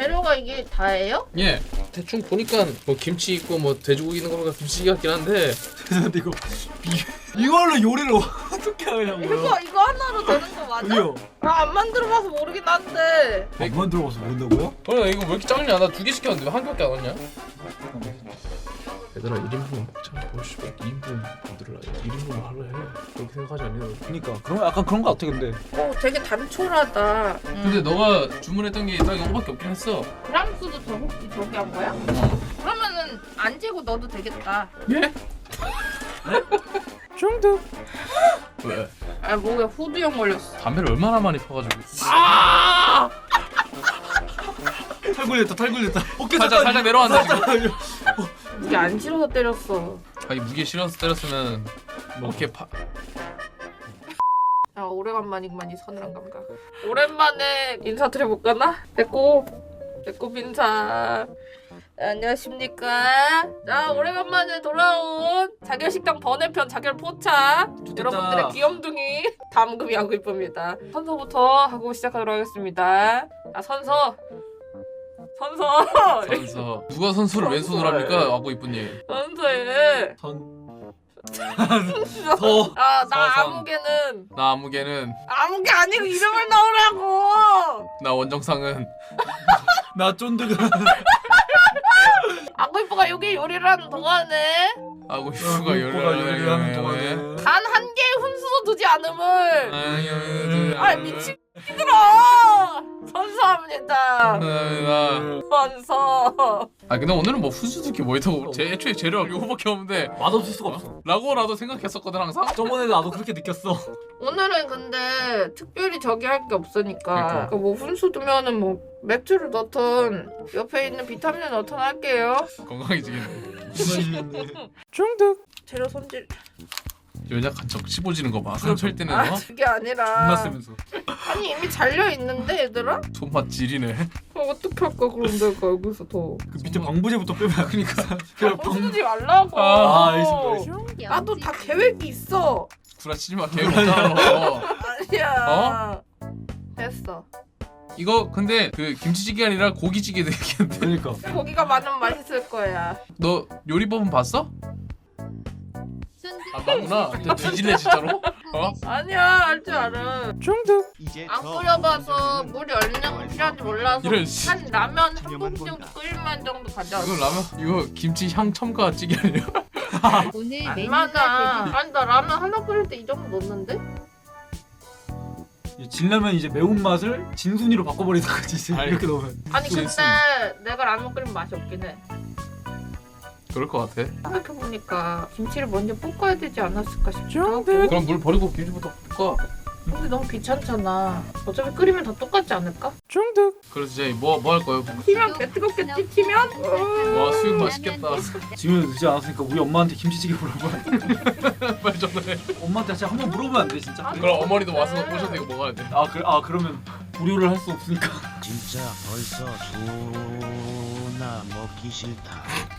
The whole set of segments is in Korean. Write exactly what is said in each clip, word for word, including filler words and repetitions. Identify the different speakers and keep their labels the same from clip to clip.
Speaker 1: 재료가 이게 다예요?
Speaker 2: 예. 대충 보니까 뭐 김치 있고 뭐 돼지고기 있는 거가 김치 같긴 한데.
Speaker 3: 죄송한데 이거 이, 이걸로 요리를 어떻게 하냐고요?
Speaker 1: 이거 이거 하나로 되는 거 맞아?
Speaker 3: 아니요.
Speaker 1: 나 안 만들어봐서 모르긴 한데.
Speaker 3: 안 만들어봐서 모른다고요?
Speaker 2: 그래 이거 왜 이렇게 작냐? 나 두 개 시켰는데 왜 한 개밖에 안 왔냐? 얘들아 일 인분 먹자. 보시오. 이 인분 만들어라. 일 인분 하려 해. 그렇게 생각하지 않냐?
Speaker 3: 그러니까 그런 약간 그런 거 같아 근데.
Speaker 1: 어 되게 단촐하다.
Speaker 2: 근데 너가 주문했던 게 딱 이거밖에 없긴 했어.
Speaker 1: 프랑스도 저 혹시 저기 한 거야? 그러면은 안 재고 넣어도 되겠다.
Speaker 2: 예?
Speaker 3: 중독.
Speaker 2: 왜?
Speaker 1: 아 목에 후두염 걸렸어.
Speaker 2: 담배를 얼마나 많이 펴가지고.
Speaker 1: 아!
Speaker 3: 탈 걸렸다 탈 걸렸다. 어깨
Speaker 2: 살짝 살짝 내려왔네 지금.
Speaker 1: 이게 안 싫어서 때렸어.
Speaker 2: 아니 무게 실어서 때렸으면 뭐 이렇게 파.
Speaker 1: 아 오래간만이구만 이 서늘한 감각. 오랜만에 인사드려볼까나? 내꼬 내꼬 인사. 네, 안녕하십니까. 자 오래간만에 돌아온 자결식당 번외편 자결 포차.
Speaker 3: 좋겠다.
Speaker 1: 여러분들의 귀염둥이 담금이 하고 이쁩니다. 선서부터 하고 시작하도록 하겠습니다. 아 선서 선서
Speaker 2: 선서 누가 선수를 왼손으로 합니까? 하고 이쁜님.
Speaker 1: 선서에
Speaker 3: 선. 서.
Speaker 1: 아나
Speaker 2: 서선.
Speaker 1: 아무개는
Speaker 2: 나 아무개는
Speaker 1: 아무개 아니고 이름을 넣으라고.
Speaker 2: 나 원정상은
Speaker 3: 나 쫀득은.
Speaker 1: 아구이뽀가 여기 요리를 하는 동안에
Speaker 2: 하고 이쁘가
Speaker 3: 이쁘가 요리하는 동안에.
Speaker 1: 단 한 개의 훈수도 두지 않음을.
Speaker 2: 아유
Speaker 1: 아 미친 들어. 선서합니다. 선서.
Speaker 2: 아 근데 오늘은 뭐 훈수두기 뭐 있다고 제 애초에 재료가 이거밖에 없는데
Speaker 3: 맛없을 수가 없어.
Speaker 2: 라고 나도 생각했었거든 항상.
Speaker 3: 저번에도 나도 그렇게 느꼈어.
Speaker 1: 오늘은 근데 특별히 저기 할 게 없으니까
Speaker 2: 그러니까.
Speaker 1: 그러니까 뭐 훈수 두면은 뭐 맥주를 넣든 옆에 있는 비타민을 넣든 할게요.
Speaker 2: 건강해지겠네.
Speaker 3: 중독.
Speaker 1: 재료 손질.
Speaker 2: 연약한 척 씹어지는 거 봐. 상처일 때는
Speaker 1: 아
Speaker 2: 어?
Speaker 1: 그게 아니라
Speaker 3: 존나 쓰면서.
Speaker 1: 아니 이미 잘려 있는데 얘들아?
Speaker 2: 손맛 지리네.
Speaker 1: 어, 어떻게 할까 그럼 내가 여기서 더
Speaker 3: 그 밑에 방부제부터 빼면 그러니까. 그냥 방.
Speaker 1: 훈수지 말라고.
Speaker 2: 아,
Speaker 3: 알겠습니다, 알겠습니다.
Speaker 1: 나도 다 계획이 있어.
Speaker 2: 구라치지 마. 계획 없잖아 너.
Speaker 1: 아니야. 됐어.
Speaker 2: 이거 근데 그 김치찌개 아니라 고기찌개 되겠는데.
Speaker 3: 그러니까.
Speaker 1: 고기가 많으면 맛있을 거야.
Speaker 2: 너 요리법은 봤어? 안 봤구나. 너 뒤질래 진짜로? 어?
Speaker 1: 아니야 할 줄 알아.
Speaker 3: 중독.
Speaker 4: 이제
Speaker 1: 안 끓여봐서 물이 얼마나 필요한지 몰라서
Speaker 2: 이런 씨.
Speaker 1: 한 라면 한 공기 정도 끓일만 정도 가져왔어.
Speaker 2: 이거 라면 이거 김치 향 첨가 찌개 아니야?
Speaker 5: 오늘
Speaker 1: 안
Speaker 5: 메뉴가
Speaker 1: 맞아.
Speaker 5: 되게
Speaker 1: 아니 나 라면 하나 끓일 때 이 정도 넣는데?
Speaker 3: 이 진라면 이제 매운 맛을 진순이로 바꿔버리는 거지 이제
Speaker 2: 아니.
Speaker 3: 이렇게 넣으면.
Speaker 1: 아니 근데
Speaker 2: 있음.
Speaker 1: 내가 라면 끓이면 맛이 없긴 해.
Speaker 2: 그럴 것 같아.
Speaker 1: 생각해보니까 김치를 먼저 볶아야 되지 않았을까 싶기도 하고.
Speaker 2: 그럼 물 버리고 김치부터 볶아.
Speaker 1: 근데 너무 귀찮잖아. 어차피 끓이면 다 똑같지 않을까?
Speaker 3: 중독.
Speaker 2: 그래서 이제 뭐뭐 할 거예요?
Speaker 1: 튀면 개 뜨겁겠지? 튀면?
Speaker 2: 와 수육 맛있겠다.
Speaker 3: 지금 늦지 않았으니까 우리 엄마한테 김치찌개 물어봐.
Speaker 2: 빨리 전화해.
Speaker 3: 엄마한테 진짜 한번 물어보면 안 돼 진짜?
Speaker 2: 그럼 어머니도 와서 오셔서 이거 먹어야 돼.
Speaker 3: 아, 그, 아 그러면 무료를 할 수 없으니까.
Speaker 4: 진짜 벌써 존나 먹기 싫다.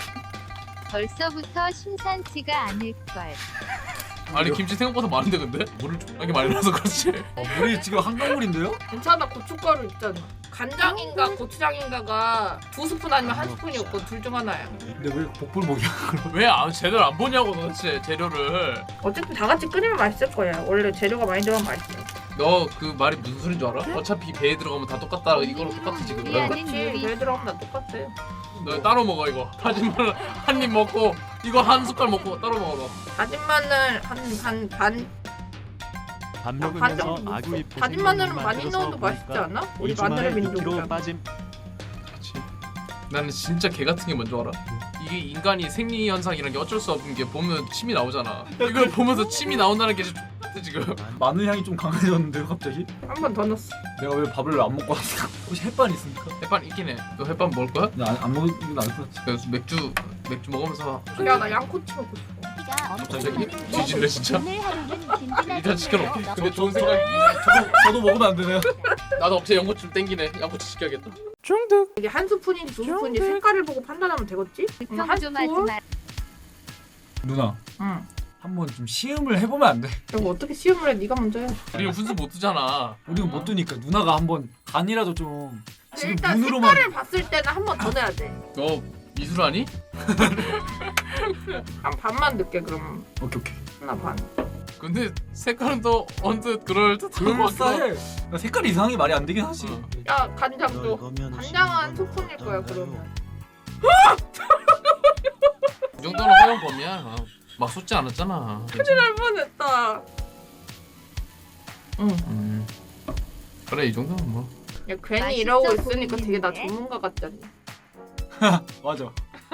Speaker 5: 벌써부터 심상치가 않을걸.
Speaker 2: 아니 김치 생각보다 많은데 근데? 물을 좀하게 많이 넣어서 그렇지.
Speaker 3: 어, 물이 지금 한강물인데요?
Speaker 1: 괜찮아 고춧가루 있잖아. 간장인가 고추장인가가 두 스푼 아니면 한 스푼이었고 둘 중 하나야.
Speaker 3: 근데 왜 복불복이야?
Speaker 2: 왜 안, 제대로 안 보냐고 도대체 재료를.
Speaker 1: 어쨌든 다 같이 끓이면 맛있을 거야. 원래 재료가 많이 들어가면 맛있어.
Speaker 2: 너 그 말이 무슨 소린 줄 알아? 어차피 배에 들어가면 다 똑같다. 이거랑 똑같아 지금.
Speaker 5: 요리하는
Speaker 1: 그렇지.
Speaker 5: 요리.
Speaker 1: 왜 들어가면 다 똑같아.
Speaker 2: 너 따로 먹어 이거. 다진 마늘 한 입 먹고 이거 한 숟갈 먹고 따로 먹어 너.
Speaker 1: 다진 마늘 한 반 반.
Speaker 4: 밥
Speaker 1: 반
Speaker 4: 먹으면서
Speaker 1: 정도
Speaker 4: 아구
Speaker 1: 넣었어.
Speaker 4: 이쁘게
Speaker 1: 다진 마늘은 많이
Speaker 4: 만들어서
Speaker 1: 넣어도 맛있지
Speaker 4: 보니까
Speaker 1: 않아? 우리
Speaker 4: 이 주말에
Speaker 1: 마늘의
Speaker 4: 이 킬로
Speaker 1: 민족이잖아.
Speaker 4: 빠짐.
Speaker 2: 그렇지. 나는 진짜 개 같은 게 뭔지 알아? 이게 인간이 생리 현상이란 게 어쩔 수 없는 게 보면 침이 나오잖아. 이걸 보면서 침이 나온다는 게 진짜 X같아 지금.
Speaker 3: 마늘 향이 좀 강해졌는데요 갑자기?
Speaker 1: 한 번 더 넣었어.
Speaker 3: 내가 왜 밥을 안 먹고 왔을까? 혹시 햇반 있습니까?
Speaker 2: 햇반 있긴 해. 너 햇반 먹을 거야?
Speaker 3: 나 안 먹는 게 나을 것 같아.
Speaker 2: 그래서 맥주 맥주 먹으면서
Speaker 1: 야 나 양꼬치 먹고 싶어.
Speaker 2: 갑자기 뒤질래 진짜? 일단
Speaker 5: 일단
Speaker 2: 시켜놓게. 근데 좋은 생각이.
Speaker 3: 저도, 저도 먹으면 안 되나요?
Speaker 2: 나도 갑자기 양꼬치 좀 땡기네. 양꼬치 시켜야겠다.
Speaker 3: 중독.
Speaker 1: 이게 한 스푼인지 두 스푼인지 색깔을 보고 판단하면 되겠지? 응, 한
Speaker 5: 좀 하지
Speaker 1: 스푼?
Speaker 5: 마.
Speaker 3: 누나
Speaker 1: 응.
Speaker 3: 한번 좀 시음을 해보면 안 돼?
Speaker 1: 이거 어떻게 시음을 해? 네가 먼저 해.
Speaker 2: 우리 훈수 못 두잖아.
Speaker 3: 우리가 못 두니까 누나가 한번 간이라도 좀
Speaker 1: 아니
Speaker 3: 지금
Speaker 1: 일단
Speaker 3: 눈으로만
Speaker 1: 색깔을 봤을 때는 한 번 더 내야 돼.
Speaker 2: 너 미술하니?
Speaker 1: 한 반만 넣게 그럼.
Speaker 3: 오케이 오케이.
Speaker 1: 하나 반.
Speaker 2: 근데 색깔은 또 언뜻 그럴 듯한
Speaker 3: 그럴싸해. 야, 색깔이 이상하게 말이 안 되긴 하지.
Speaker 2: 어.
Speaker 1: 야 간장도.
Speaker 4: 널거면
Speaker 1: 간장은 소품일 거야 그러면.
Speaker 2: 이 정도는 허용범이야. 어. 막 쏟지 않았잖아.
Speaker 1: 할 뻔했다.
Speaker 2: 응. 음. 그래 이 정도는 뭐.
Speaker 1: 야 괜히
Speaker 5: 맛있어
Speaker 1: 이러고 있으니까 되게 나
Speaker 5: 보이는데?
Speaker 1: 전문가 같잖니.
Speaker 3: 맞아.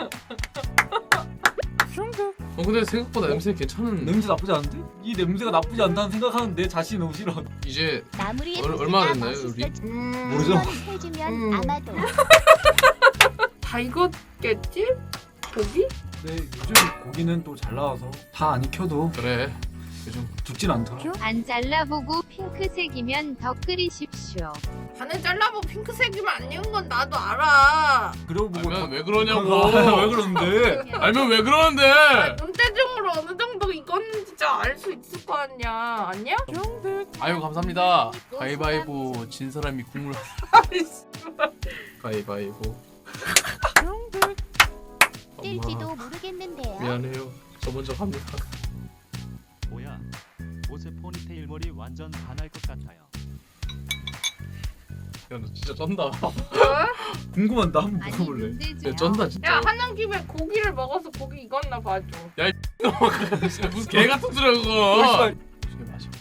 Speaker 2: 어 근데 생각보다 냄새 괜찮은.
Speaker 3: 냄새 나쁘지 않은데? 이 냄새가 나쁘지 않다는 생각하는 내 자신이 너무 싫어.
Speaker 2: 이제
Speaker 6: 마무리에
Speaker 2: 얼- 얼마나 됐나요, 우리?
Speaker 1: 음.
Speaker 3: 모르죠?
Speaker 6: 해주면
Speaker 1: 음.
Speaker 6: 아마도
Speaker 1: 다 익었겠지? 고기?
Speaker 3: 네, 요즘 고기는 또 잘 나와서 다 안 익혀도
Speaker 2: 그래. 요즘
Speaker 3: 죽진 않더라.
Speaker 5: 안 잘라보고 핑크색이면 더 끓이십시오.
Speaker 1: 반을 잘라보고 핑크색이면 안 익은 건 나도 알아.
Speaker 3: 그러고 보고
Speaker 2: 알면 왜
Speaker 3: 다-
Speaker 2: 그러냐고.
Speaker 3: 왜 그러는데?
Speaker 2: 알면 왜 그러는데?
Speaker 1: 아, 눈대중으로 어느 정도 익었는지 진짜 알 수 있을 거 아니야. 아니야?
Speaker 2: 아유 감사합니다. 가위바위보 진 사람이 국물. 가위바위보.
Speaker 6: 뜰지도
Speaker 2: 엄마
Speaker 6: 모르겠는데요.
Speaker 2: 미안해요. 저 먼저 갑니다.
Speaker 7: 뭐야? 옷에 포니테일 머리 완전 반할 것 같아요.
Speaker 2: 야 너 진짜 쩐다.
Speaker 1: 어?
Speaker 3: 궁금한 나 한번
Speaker 5: 아니
Speaker 3: 먹어볼래.
Speaker 5: 문제지요.
Speaker 2: 야 쩐다
Speaker 1: 야
Speaker 2: 진짜.
Speaker 1: 하는 김에 고기를 먹어서 고기 익었나 봐줘.
Speaker 2: 진짜 무슨 개 같은 소리야
Speaker 3: 어,
Speaker 2: 그거.
Speaker 3: 씨발.
Speaker 2: 이게 마셔.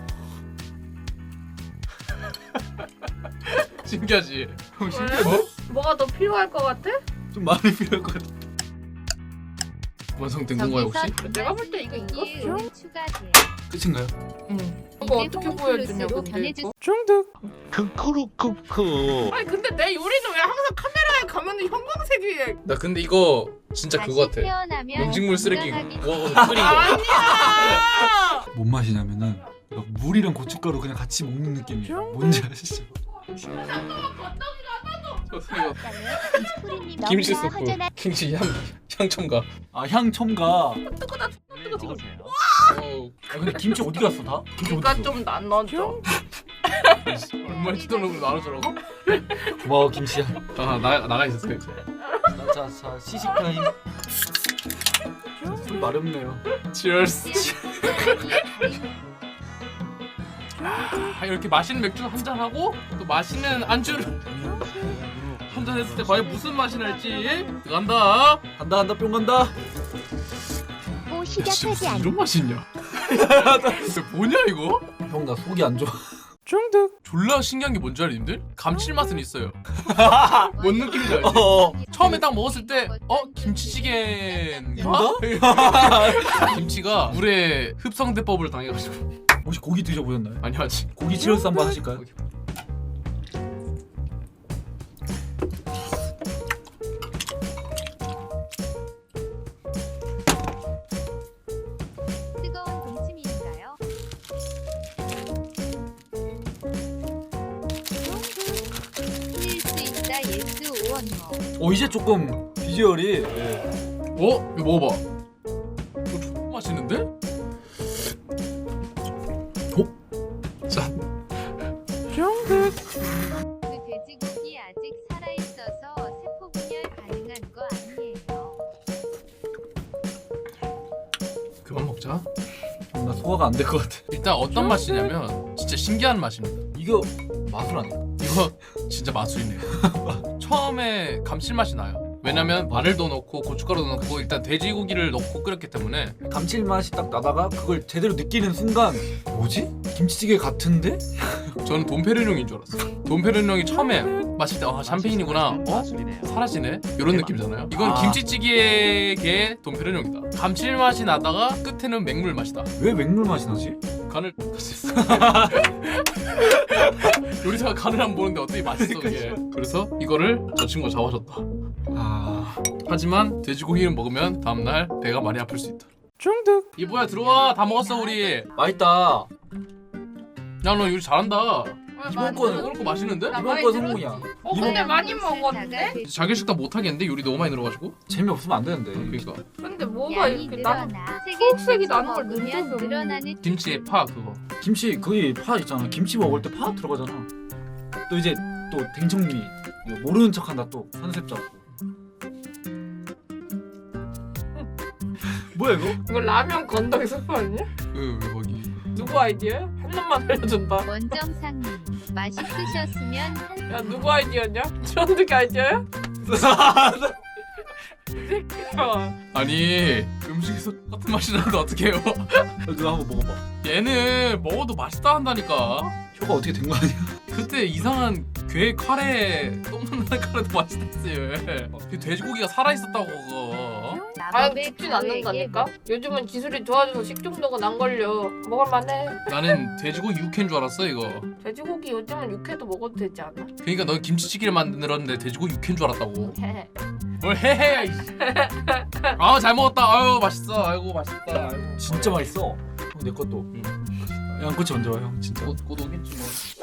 Speaker 2: 신기하지.
Speaker 3: 형 신기한데?
Speaker 1: 뭐가 더 필요할 것 같아?
Speaker 3: 좀 많이 필요할 것 같아.
Speaker 2: 완성된 건가요 혹시?
Speaker 1: 내가 볼 때 이거 익었어.
Speaker 5: 요리 추가돼.
Speaker 3: 끝인가요?
Speaker 1: 응. 이거 어떻게 보여주냐 근데
Speaker 5: 변해주.
Speaker 1: 이거?
Speaker 4: 크크루크크
Speaker 1: 아니 근데 내 요리는 왜 항상 카메라에 가면 형광색이야?
Speaker 2: 나 근데 이거 진짜
Speaker 5: 다시
Speaker 2: 그거 같아.
Speaker 5: 태어나면
Speaker 2: 음식물 쓰레기
Speaker 5: 건강하게
Speaker 2: 모아서 끓인 거.
Speaker 1: 아니야.
Speaker 3: 뭔 맛이냐면은 막 물이랑 고춧가루 그냥 같이 먹는 느낌이야. 뭔지 아시죠?
Speaker 2: 저 이거
Speaker 6: 스프링님
Speaker 2: 김치
Speaker 6: 너무나
Speaker 2: 스프,
Speaker 6: 허전한
Speaker 2: 김치 향 향첨가.
Speaker 3: 아 향 첨가.
Speaker 1: 뜨거다.
Speaker 7: 네, 넣으세요.
Speaker 2: 어우,
Speaker 3: 아 근데 김치 어디 갔어 다? 김치 어디
Speaker 1: 그러니까
Speaker 3: 갔어?
Speaker 1: 좀난 넣어줘.
Speaker 2: 얼마나 지도록으로 나눠주라고?
Speaker 3: 고마워 김치야.
Speaker 2: 아 나가 나가 있었어 이제.
Speaker 3: 자자 시식 타임. 술 마렵네요.
Speaker 2: Cheers. 아, 이렇게 맛있는 맥주 한 잔 하고 또 맛있는 안주를 한 잔 했을 때 과연 무슨 맛이 날지 들어간다.
Speaker 3: 간다 간다 뿅 간다.
Speaker 6: 고
Speaker 2: 야, 진짜
Speaker 6: 시작하지
Speaker 2: 무슨
Speaker 6: 않.
Speaker 2: 이런 맛이 있냐? 이거 뭐냐 이거?
Speaker 3: 형 나 속이 안 좋아.
Speaker 2: 중득. 졸라 신기한 게 뭔지 알아 님들? 감칠맛은 있어요. 뭔 느낌인지 알지?
Speaker 3: 어.
Speaker 2: 처음에 딱 먹었을 때 어? 김치찌개인가? 김치가 물에 흡성대법을 당해가지고
Speaker 3: 혹시 고기 드셔보셨나요?
Speaker 2: 아니 아직
Speaker 3: 고기 치얼스 한번 하실까요?
Speaker 5: 뜨거운 동치미인가요? 틀릴 수 있다 예스 오원모.
Speaker 3: 어 이제 조금 비주얼이 네.
Speaker 2: 어? 이거 먹어봐. 이거 존나 맛있는데? 어? 짠.
Speaker 5: 그 돼지고기 아직 살아있어서 세포 분열 가능한 거 아니에요.
Speaker 2: 그만 먹자.
Speaker 3: 나 소화가 안 될 것 같아.
Speaker 2: 일단 어떤 맛이냐면 진짜 신기한 맛입니다.
Speaker 3: 이거 마술 아니야?
Speaker 2: 이거 진짜 마술이네요. 처음에 감칠맛이 나요. 왜냐면 마늘도 넣고 고춧가루도 넣고 일단 돼지고기를 넣고 끓였기 때문에
Speaker 3: 감칠맛이 딱 나다가 그걸 제대로 느끼는 순간 뭐지? 김치찌개 같은데?
Speaker 2: 저는 돈페르뇽인 줄 알았어요. 돈페르뇽이 처음에 마실 때 아 샴페인이구나. 어?
Speaker 7: 마술이네요.
Speaker 2: 사라지네? 이런 느낌이잖아요. 이건
Speaker 3: 아.
Speaker 2: 김치찌개의 돈페르뇽이다. 감칠맛이 나다가 끝에는 맹물 맛이다.
Speaker 3: 왜 맹물 맛이 나지?
Speaker 2: 간을 했어. 요리사가 간을 안 보는데 어떻게 맛있어 이게. 그래서 이거를 저 친구가 잡아줬다.
Speaker 3: 아
Speaker 2: 하지만 돼지고기를 먹으면 다음날 배가 많이 아플 수 있다. 중득. 이보야 들어와. 다 먹었어 우리.
Speaker 3: 맛있다.
Speaker 2: 야 너 요리 잘한다.
Speaker 3: 이번 거는
Speaker 2: 이거 맛있는데?
Speaker 1: 나
Speaker 3: 이번
Speaker 1: 많이
Speaker 3: 거
Speaker 1: 들었지.
Speaker 3: 성공이야.
Speaker 1: 어 근데 많이 먹었는데?
Speaker 2: 자기 식단 못 하겠는데 요리 너무 많이 늘어가지고.
Speaker 3: 재미없으면 안 되는데.
Speaker 2: 그러니까
Speaker 1: 근데 뭐가
Speaker 5: 양이
Speaker 1: 이렇게 나
Speaker 5: 늘어나.
Speaker 1: 초록색이 나는 걸
Speaker 5: 먹으면
Speaker 1: 넣은 적이 없는데.
Speaker 5: 늘어나는
Speaker 2: 김치에 파 그거.
Speaker 3: 김치 거기 파 있잖아. 김치 먹을 때 파 들어가잖아. 또 이제 또 댕청미 이거 모르는 척한다 또 컨셉 잡고. 뭐야 이거?
Speaker 1: 이거 라면 건더기 스프 아니야?
Speaker 2: 왜, 왜 거기?
Speaker 1: 누구 아이디어야? 한 놈만 알려준다.
Speaker 5: 원정상님 맛있으셨으면 한
Speaker 1: 야 누구 아이디어냐? 전득이 아이디어야? 어.
Speaker 2: 아니 음식에서 같은 맛이 나는데 어떡해요?
Speaker 3: 누나 한번 먹어봐.
Speaker 2: 얘는 먹어도 맛있다 한다니까.
Speaker 3: 혀가 어떻게 된 거 아니야?
Speaker 2: 그때 이상한 괴 카레 똥만 나는 카레도 맛있댔지. 그 돼지고기가 살아있었다고 그거.
Speaker 1: 아 죽진 않는다니까? 요즘은 기술이 좋아져서 식중독은 안 걸려. 먹을만해.
Speaker 2: 나는 돼지고기 육회인 줄 알았어 이거.
Speaker 1: 돼지고기 요즘은 육회도 먹어도 되지 않아?
Speaker 2: 그러니까 넌 김치찌개를 만들었는데 돼지고기 육회인 줄 알았다고. 뭘 해해? 이씨. 아 잘 먹었다. 아유 맛있어. 아이고 맛있다. 아이고.
Speaker 3: 진짜 맛있어. 어, 내 것도.
Speaker 2: 응.
Speaker 3: 양꼬치 언제 와 형? 진짜.
Speaker 2: 곧, 곧 오겠지 뭐.